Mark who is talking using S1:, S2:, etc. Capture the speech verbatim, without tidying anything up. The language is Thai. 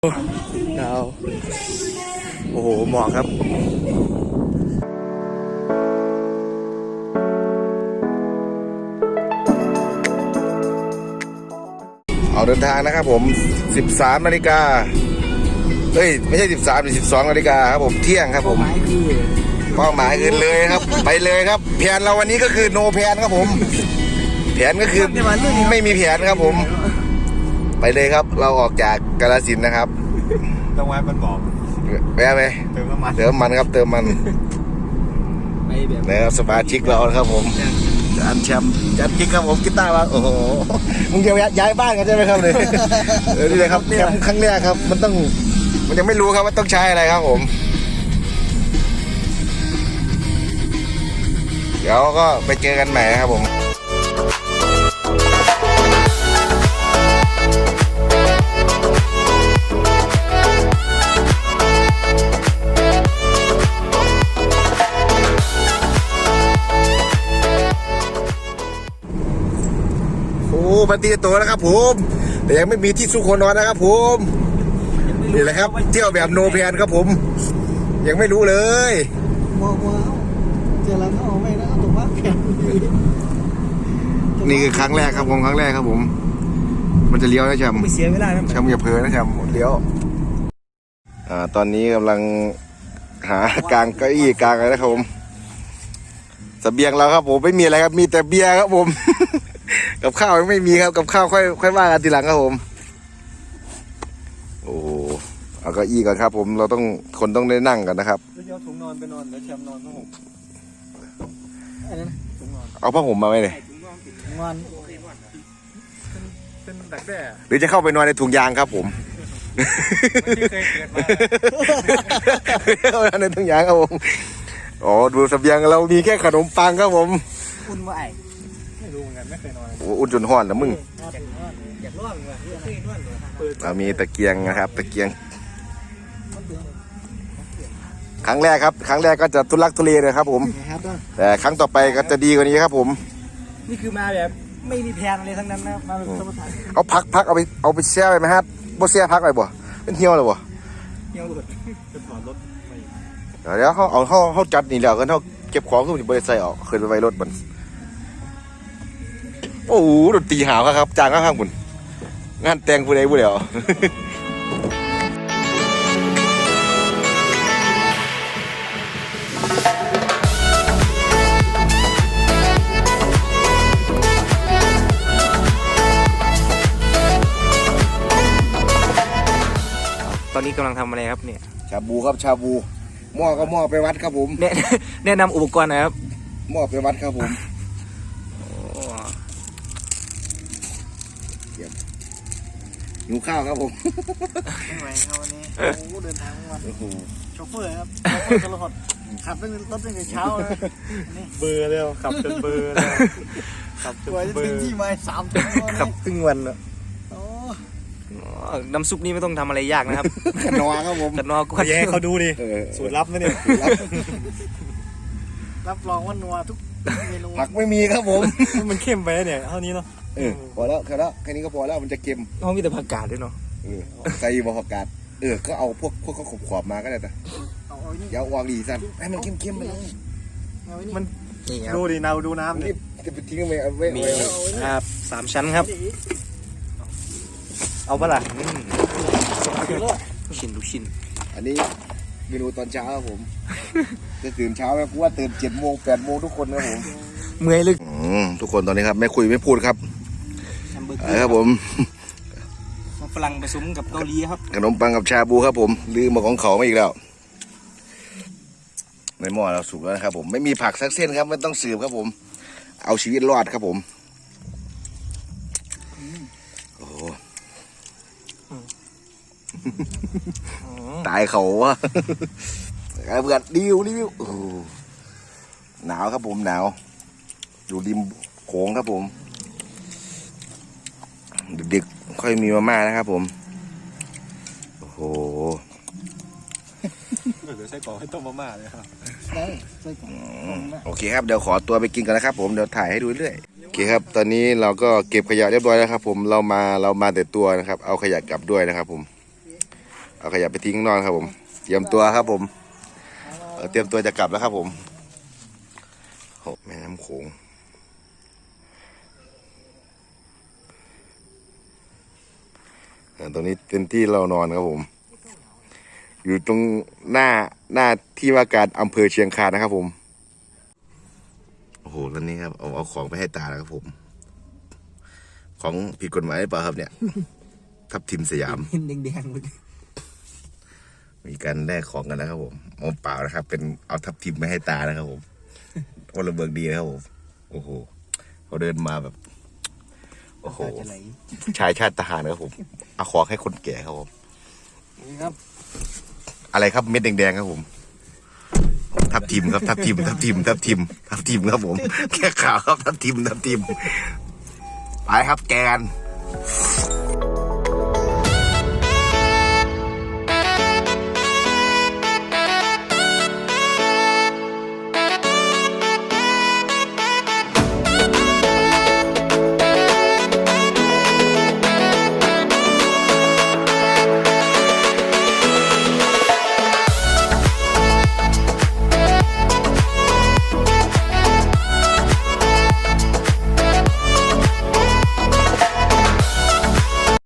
S1: ดาวโอ้โหหมอกครับเอาเดินทางนะครับผมสิบสามนาฬิกาเฮ้ยไม่ใช่สิบสามหรือสิบสองนาฬิกาครับผมเที่ยงครับผมเป้าหมายคือเลยครับไปเลยครับแผนเราวันนี้ก็คือโนแผนครับผมแผนก็คือไม่มีแผนครับผมไปเลยครับเราออกจากกาฬสินธุ์นะครับ
S2: ต้องไว้มันบอก
S1: ไปไหม
S2: เติมน้ำมัน
S1: เติมมันครับเติมมันนะครับสมาชิกเราครับผมจันแชมป์จันกิ๊กครับผมกีตาร์มาโอ้โหมึงจะย้ายบ้านกันใช่ไหมครับเลยเออนี่เลยครับแชมป์ครั้งแรกครับมันต้องมันยังไม่รู้ครับว่าต้องใช้อะไรครับผมเดี๋ยวก็ไปเจอกันใหม่ครับผมปฏิตัวนะครับผมแต่ยังไม่มีที่สุขนอนนะครับผมนี่แหละครับเที่ยวแบบโนแพนครับผมยังไม่รู้เลย
S3: มองว่าเจอแล้วก็ออกไม่นะถูกว่าแผน
S1: นี่คือครั้งแรกครับผมครั้งแรกครับผมมันจะเลี้ยวนะแชมป์
S3: ไม่เสียเวลานะ
S1: แชมป์อย่าเผลอนะแชมป์เลี้ยวอ่าตอนนี้กำลังหากางเก้าอี้กางอะไรนะครับผมเสบียงเราครับผมไม่มีอะไรครับมีแต่เบียร์ครับผมกับข้าวยังไม่มีครับกับข้าวค่อยค่อยว่ากันทีหลังครับผมโอ้เอาเก้าอี้ก่อนครับผมเราต้องคนต้องได้นั่งกันนะครับ
S2: แล้วเอาถุงนอนไปนอนแล้วแชมป์นอนผ้าห่มถุงนอน
S1: เอาผ้าห่มมาไหมเนี่ย
S3: ถุงนอน
S2: เป็นดักแด้
S1: หรือจะเข้าไปนอนในถุงยางครับผม
S2: ที่เคยเกิดมา
S1: เข้าไปนอนในถุงยางครับผมอ๋อดูเสบียงเรามีแค่ขนมปังครับผม
S3: อุ่นว่าไอ้
S2: ไม่รู้เหมือนกันไม่เคยนอน
S1: โอ้อุ่นจนห้อนแล้วมึง
S3: อยากร้อนเลยเคยนอนเลย
S1: เรามีตะเกียงนะครับตะเกียงครั้งแรกครับครั้งแรกก็จะทุลักทุเลเลยครับผมแต่ครั้งต่อไปก็จะดีกว่านี้ครับผม
S3: นี่คือมาแบบไม่มีแผนอะไรทั้งนั้นนะมาแบบธรรมชาติ
S1: เอาพักพักเอาไปเอาไปแช่ไปไหมครับบ่แช่พักไปบ่เป็นเที่ยวเลยบ่
S3: เที่ยวหลุด
S2: จะถอดรถ
S1: เดี๋ยวเขาเอาเขาเขาจัดนี่แล้วกันเขาเก็บของขึ้นบริษัทออกขึ้นไปไว้รถมันโอ้โหดนตรีหาวครับจางข้างๆคุณงานแต่งผู้ใดผู้เดียว
S3: ตอนนี้กำลังทำอะไรครับเนี่ย
S1: ชาบูครับชาบูหม้อก็หม้อไปวัดครับผม
S3: แนะแนะนำอุปกรณ์หน่อยครับ
S1: หม้อไปวัดครับผมหิวข้าวครับผม
S3: ไม่ไหวครับวันนี้โอ้เดินทางทั้งวันโชเฟอร์ครับโชเฟอร์ตลอดขับตั้งรถตั้งแต่เช้าเลย
S2: เบื่อแล้วขับจนเบื่อแล้วขับจนเบื่อ
S3: ที่มาสามชั่วโมง
S1: ขับครึ่งวันแล้ว
S3: น้ำซุปนี้ไม่ต้องทำอะไรยากนะครับ
S1: ขนอครับผม
S3: ขนอก็
S2: แย่เขาดูดิสูตรลับนะเนี่ย
S3: รับรองว่านัวทุกเมนู
S1: ผักไม่มีครับผม
S2: มันเข้มไปเนี่ยเท่านี้เนาะ
S1: เออพอแล้วแค่แล้วแค่นี้ก็พอแล้วมันจะเค็ม
S3: เขามีแต่ผักกาดด้วยเนาะ
S1: เออใส่บะผักกาดเออก็เอาพวกพวกเขาขบขอบมาก็ได้แต่อย่าออกดีสั่นให้มันเค็มๆไปเลย
S2: มันดูดินาดูน้ำ
S1: นี่จะไปทิ้งไปเอาไว้
S3: มีครับสามชั้นครับเอาปะล่ะลูกชิ้นลูกชิ้น
S1: อันนี้เมนูตอนเช้าครับผมจะตื่นเช้าไหมกูว่าตื่นเจ็ดโมงแปดโมงทุกคนนะผม
S3: เมื่อยลึก
S1: ทุกคนตอนนี้ครับไม่คุยไม่พูดครับครับผม
S3: ฝรั่งผสมกับเกาหลีครับ
S1: ขนมปังกับชาบูครับผมลืมมาของเขาไม่อีกแล้วในหม้อเราสุกแล้วนะครับผมไม่มีผักสักเส้นครับไม่ต้องสืบครับผมเอาชีวิตรอดครับผมโอ้ตายเขาวะเบื่อดิวดิวหนาวครับผมหนาวอยู่ริมโขงครับผมดึกๆค่อยมีมาม่านะครับผมโอ้โห
S2: เดี๋ยวใส่กล่องให้ต้มมาม่าเลยครับ
S1: โอเคครับเดี๋ยวขอตัวไปกินกันนะครับผมเดี๋ยวถ่ายให้ดูเรื่อยโอเคครับตอนนี้เราก็เก็บขยะเรียบร้อยแล้วครับผมเรามาเรามาแต่ตัวนะครับเอาขยะกลับด้วยนะครับผมเอาขยะไปทิ้งข้างนอกครับผมเตรียมตัวครับผมเอ่อเตรียมตัวจะกลับแล้วครับผมโอ้แม่น้ำโขงอ่าตรงนี้เป็นที่เรานอนครับผม อยู่ตรงหน้าหน้าที่ว่าการอำเภอเชียงคานนะครับผมโอ้โหแล้วนี่ครับเอาเอาของไปให้ตาแล้วครับผม ของผิดกฎหมายหรือเปล่าครับเนี่ย ทับทิมสยาม
S3: เห็นแดงๆเลย
S1: มีการแลกของกันนะครับผมเอาเปล่านะครับ เป็นเอาทับทิมมาให้ตานะครับผมพลเมืองดีนะครับผมโอ้โหเขาเดินมาแบบ โอ้โห
S3: จะไหล
S1: ชายชาติทหารครับผมเอาของให้คนแก่ครับผม
S3: นี่ครับ
S1: อะไรครับเม็ดแดงๆครับผม ทับทิมครับทับทิมทับทิมทับทิมทับทิมครับผมแค่ข่าวครับทับทิมทับทิมไปครับแกน